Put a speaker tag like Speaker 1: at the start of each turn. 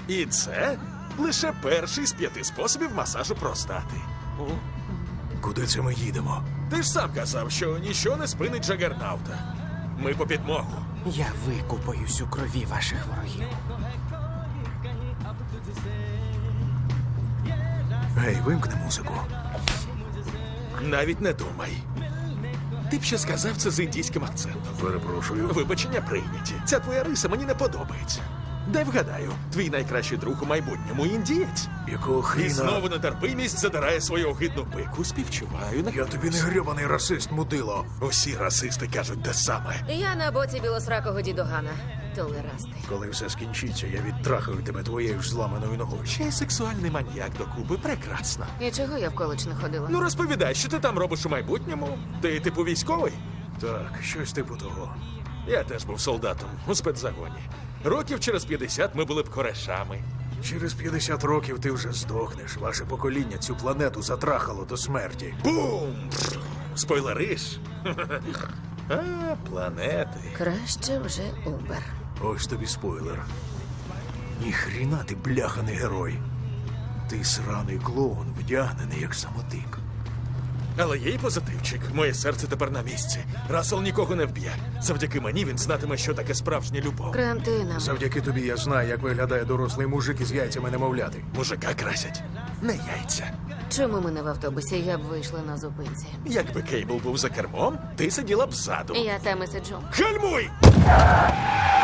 Speaker 1: І це лише перший з 5 способів масажу простати.
Speaker 2: Куди це ми їдемо?
Speaker 1: Ти ж сам казав, що ніщо не спинить Джагернаута. Ми по підмогу.
Speaker 3: Я викупаюсь у крові ваших ворогів.
Speaker 2: Гей, вимкни музику.
Speaker 1: Навіть не думай. Ти б ще сказав це з індійським акцентом.
Speaker 2: Перепрошую.
Speaker 1: Вибачення прийняті. Ця твоя риса мені не подобається. Дай вгадаю, твій найкращий друг у майбутньому індієць.
Speaker 2: Якого
Speaker 1: І
Speaker 2: хріна?
Speaker 1: знову нетерпимість задирає свою огидну пику. Співчуваю.
Speaker 2: Я тобі не грьобаний расист, мудило.
Speaker 1: Усі расисти кажуть те саме.
Speaker 4: Я на боці білосракого дідогана. Толерасти.
Speaker 2: Коли все скінчиться, я відтрахаю тебе твоєю ж зламаною ногою.
Speaker 1: Ще й сексуальний маньяк до Куби. Прекрасно.
Speaker 4: І чого я в коледж не ходила?
Speaker 1: Ну розповідай, що ти там робиш у майбутньому? Ти типу військовий?
Speaker 2: Так, щось типу того.
Speaker 1: Я теж був солдатом у спецзагоні. Років через 50 ми були б корешами.
Speaker 2: Через 50 років ти вже здохнеш. Ваше покоління цю планету затрахало до смерті.
Speaker 1: Бум! Спойлериш? А, планети.
Speaker 4: Краще вже Убер.
Speaker 2: Ось тобі спойлер. Ніхріна ти бляханий герой. Ти сраний клоун, вдягнений як самотик.
Speaker 1: Але є й позитивчик. Моє серце тепер на місці. Рассел нікого не вб'є. Завдяки мені він знатиме, що таке справжня любов.
Speaker 4: Кремтинам.
Speaker 2: Завдяки тобі я знаю, як виглядає дорослий мужик із яйцями немовляти.
Speaker 1: Мужика красять. Не яйця.
Speaker 4: Чому ми не в автобусі? Я б вийшла на зупинці.
Speaker 1: Якби Кейбл був за кермом, ти сиділа б ззаду.
Speaker 4: Я там і сиджу.
Speaker 1: Гальмуй!